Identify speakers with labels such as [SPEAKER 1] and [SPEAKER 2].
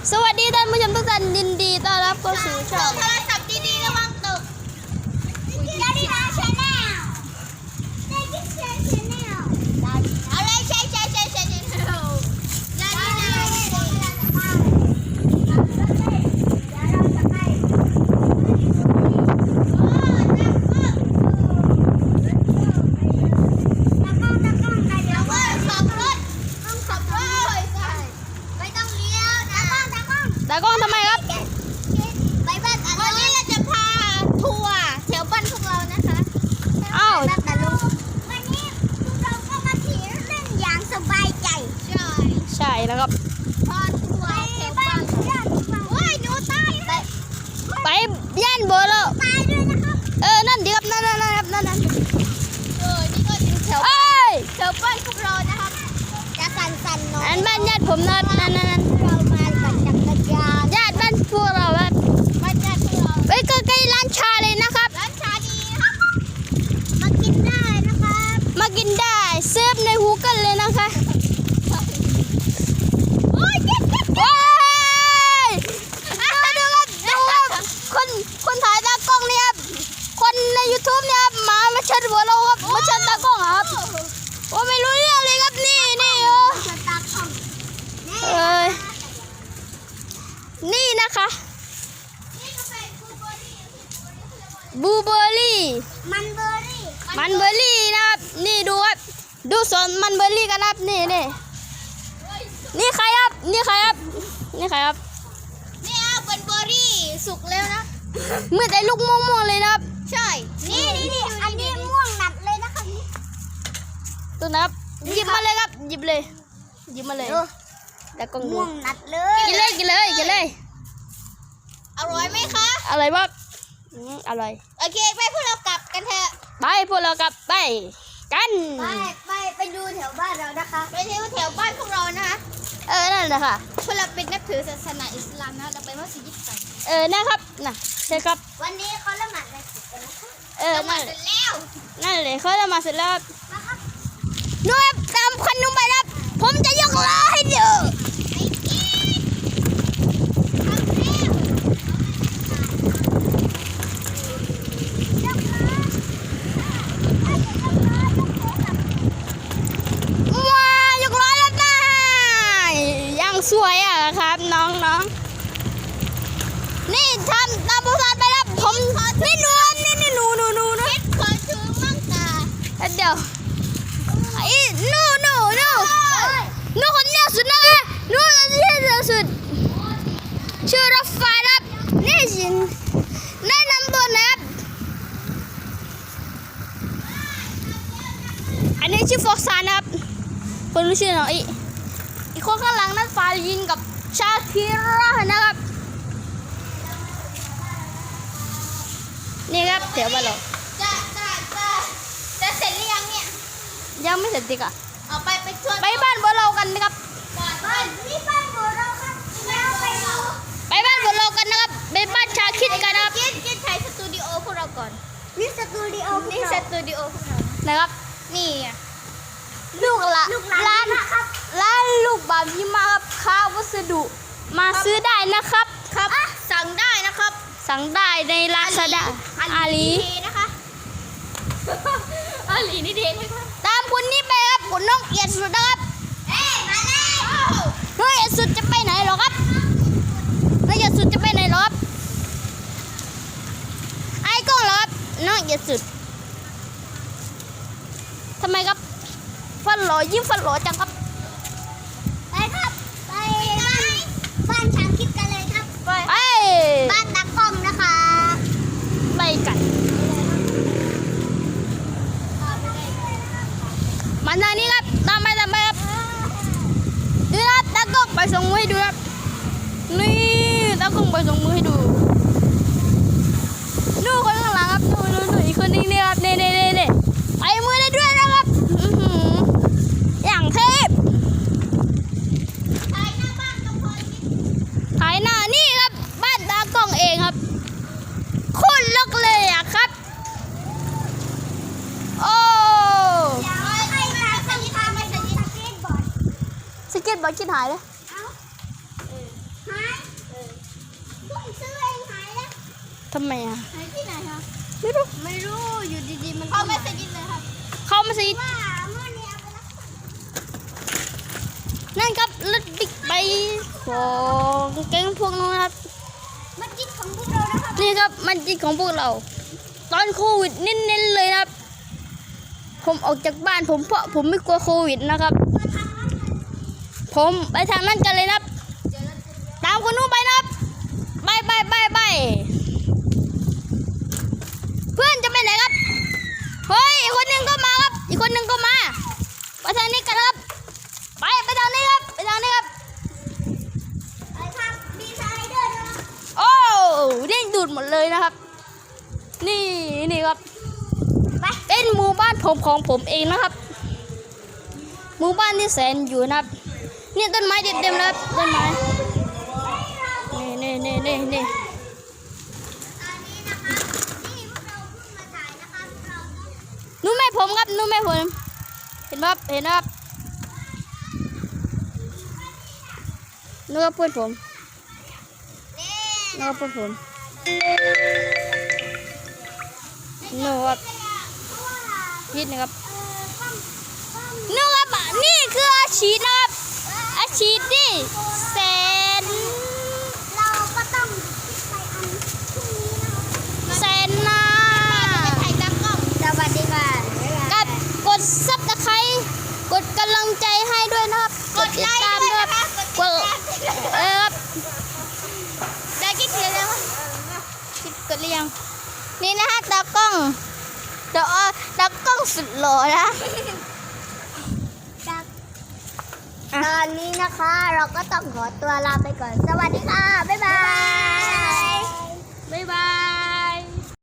[SPEAKER 1] สวัสดีท่านผู้ชมทุกท่านยินดีต้อนรับเข้าสู่ช่อง
[SPEAKER 2] โทรศัพท์ดีๆระวังตกยาดีนาชาแนลเด็กกิ๊กชาแนลเอาเลยใช่ยาดีนาเดี๋ยวเราจะไป
[SPEAKER 1] ตากล้องทำไมครับ
[SPEAKER 2] ไปบ้านวันนี้เราจะพาทัวร์แถวบ้านพวกเรานะคะ
[SPEAKER 1] อ้าว
[SPEAKER 2] แต่ลุงวันนี้พวกเราก็มาขี่เล่นอย่างสบายใจ
[SPEAKER 1] ใช่แล้วครับ
[SPEAKER 2] พอทัวร์แถวบ้านว้ายหนูตาย
[SPEAKER 1] ไปย่านเบอร์แล้ว
[SPEAKER 2] ตายด้วยนะครับ
[SPEAKER 1] นั่นดีครับนั่นครับนั่น
[SPEAKER 2] นี่ก็เป็นแถวบ้านพวกเรานะครับจะสั่นๆหน่อย
[SPEAKER 1] อันบ้านญาติผมนั่น
[SPEAKER 2] เรามาปั่นจักรยาน
[SPEAKER 1] ญาติบ้านพวกเราครับ
[SPEAKER 2] บ้านญาติพวกเรา
[SPEAKER 1] ไปใกล้ๆร้านชาเลยนะครับ
[SPEAKER 2] ร้านชาดีนะครับมากินได้นะครับ
[SPEAKER 1] มากินได้เซิร์ฟในฮูเกิลเลยนะคะ
[SPEAKER 2] โอ้ยเจ็บ
[SPEAKER 1] ว้ายดูครับคนถ่ายตากล้องเนี่ยครับคนใน YouTube เนี่ยครับมาเชิดหัวเราครับมาเชิดตากล้องครับโอ้ไม่รู้เรื่องเลยครับนี่นี่นะคะบลูเบอร์รี่
[SPEAKER 2] มันเบอร์
[SPEAKER 1] รี่นะครับนี่ดูครับดูสวนมันเบอร์รี่กันครับนี่ใครครับ
[SPEAKER 2] นี่เป็นเบอร์รี่สุกแล้วนะ
[SPEAKER 1] เมื่อแต่ลูกม่วงเลยนะครับ
[SPEAKER 2] ใช่นี่อันนี้ม่วงหนัดเลยนะคะ
[SPEAKER 1] ตัวนะครับหยิบมาเลยครับหยิบมาเลยแต่กล้อง
[SPEAKER 2] ม่วงหนัดเลย
[SPEAKER 1] กินเลย
[SPEAKER 2] อร่อยไหมคะ
[SPEAKER 1] อร่อยมากอร่อย
[SPEAKER 2] โอเคไปพวกเรากลับกันเถอะ
[SPEAKER 1] ไปพวกเรากลับไปกัน
[SPEAKER 2] ไปดูแถวบ้านเรานะคะไปดูแถวบ้านพวกเรานะคะ
[SPEAKER 1] นั่นแหละค่ะ
[SPEAKER 2] พวกเราเป็นนับถือศาสนาอิสลามนะเราไปมัสยิดกัน
[SPEAKER 1] นะครับใช่ครับ
[SPEAKER 2] วันนี้เขาละหมาดอะไรกันนะคะ
[SPEAKER 1] ละหมาด
[SPEAKER 2] เสร็จแล้ว
[SPEAKER 1] นั่นเลยเขาละหมาดเสร็จแล้วนู่นตามคันนุ่มไปครับผมจะยกล้อให้ดูสวยอ่ะครับน้องนี่ทำตามผู้สอนไปแล้วผมนี่หนู
[SPEAKER 2] ขอถือมั่งตา
[SPEAKER 1] เดี๋ยวหนูคนเนี้ยสุดนะคะหนูคนเนี้ยสุดชื่อรถไฟครับนี่สิแนะนำตัวนะครับอันนี้ชื่อฟอกซานนะครับคนรู้ชื่อน้องอีกคนข้างหลังนั้นฟาลินกับชาคิรานะครับนี่ครับแถวบ้านเรา
[SPEAKER 2] จะเสร็จหรือยังเนี่ย
[SPEAKER 1] ยังไม่เสร็จดิค่ะ
[SPEAKER 2] เอาไปชวน
[SPEAKER 1] ไปบ้านบัวเรากันนะครับ
[SPEAKER 2] นี่บ้านบัวเราครับ
[SPEAKER 1] ไปบ้านบัวเรากันนะครับไปบ้านชาคิดกันนะครับ
[SPEAKER 2] คิดถ่ายสตูดิโอพวกเราก่อนนี่สตูดิโอพวกเรา
[SPEAKER 1] นะครับ
[SPEAKER 2] นี่
[SPEAKER 1] ลูกละร้านลูกบาบิมาครับค้าวัสดุมาซื้อได้นะครับ
[SPEAKER 2] สั่งได้นะครับ
[SPEAKER 1] สั่งได้ในลาซาด้าอาลี
[SPEAKER 2] นะคะอาลีนี่เด็ดเลยครับ
[SPEAKER 1] ตามคุณนี่ไปครับคุณน้องเอียดสุดนะครับ
[SPEAKER 2] มาแล้ว
[SPEAKER 1] น้องเอียดสุดจะไปไหนหรอครับน้องเอียดสุดจะไปไหนหรอครับไอ้กล้องหรอครับน้องเอียดสุดทำไมครับฟันหล่อยิ้มฟันหล่อจังครับ
[SPEAKER 2] ไปครับไปบ้านช้างคิดกันเลยครับไปบ้านตากล้องนะคะ
[SPEAKER 1] ไปกันมาทางนี้ครับตามไปครับดูนะตากล้องไปส่งมือให้ดูครับนี่ตากล้องไปส่งมือให้ดูนู่นคนข้างหลังครับนู่นอีกคนนึงนี่ครับนี่ไปมือได้ด้วยนะครับอย่างเทพ
[SPEAKER 2] ถ่ายหน้าบ้านกับพลอย
[SPEAKER 1] ถ่ายหน้านี่ครับบ้านตากล้องเองครับโคตรลกเลยอ่ะครับโอ้สเก็ตบอร์ดคิดหายเลย
[SPEAKER 2] หาย
[SPEAKER 1] ทำไมอ่ะ
[SPEAKER 2] ที่ไหนครับ
[SPEAKER 1] ไม่รู้
[SPEAKER 2] ไม่รู้อยู่ดีๆมันเข้าไม่สกิดเลยครับ
[SPEAKER 1] เข้ามาสิ
[SPEAKER 2] ว่าเมื่อนี้เอาไปแล้ว
[SPEAKER 1] นั่นครับรถบิ๊กไบค์ของแก๊งพวกนู้นครับ
[SPEAKER 2] มันจิตของพวกเรานะครับ
[SPEAKER 1] นี่ครับมันจิตของพวกเรา ตอนโควิดเน้นๆเลยนะครับ ผมออกจากบ้านผมเพราะผมไม่กลัวโควิดนะครับ ผมไปทางนั้นกันเลยนะครับ ตามคนนู้นไปนะครับไปเพื่อนจะไปไหนครับเฮ้ยอีกคนหนึ่งก็มาครับอีกคนหนึ่งก็มาไปทางนี้กันครับไปทางนี้ครับไปทางนี้ครับ
[SPEAKER 2] ไปทางมีสไลเดอร์ด้วยนะ
[SPEAKER 1] โอ้เด้งดูดหมดเลยนะครับ นี่ครับเป็นหมู่บ้านของผมเองนะครับ หมู่บ้านที่แสนอยู่นะครับนี่ต้นไม้เต็มๆนะครับต้นไม้นี่
[SPEAKER 2] อันนี้นะคะนี่พวกเราเพิ่งมาถ่ายนะคะพวกเราต้อง
[SPEAKER 1] นู้นแม่ผมครับนู้นแม่ผมเห็นไหมครับเห็นไหมครับนู้นก็เพื่อนผมนู้นก็เพื่อนผมนู้นครับยิดนะครับนู้นครับนี่คืออาชีพนะครับอาชีพที่แสน
[SPEAKER 2] เราก็ต้องไปอันพรุ่งนี้นะคะ
[SPEAKER 1] แสนนา
[SPEAKER 2] ถ่ายตากล้องสวัสดีค่ะ
[SPEAKER 1] กับกดซับสไครต์กดกำลังใจให้ด้วยนะครับกดติดตามด้วยครับกดครับ
[SPEAKER 2] ได้กี่ทีแล้ว
[SPEAKER 1] กดหรือยังนี่นะฮะตากล้องตากล้องสุดหล่อนะ
[SPEAKER 2] ตอนนี้นะคะเราก็ต้องขอตัวลาไปก่อนสวัสดี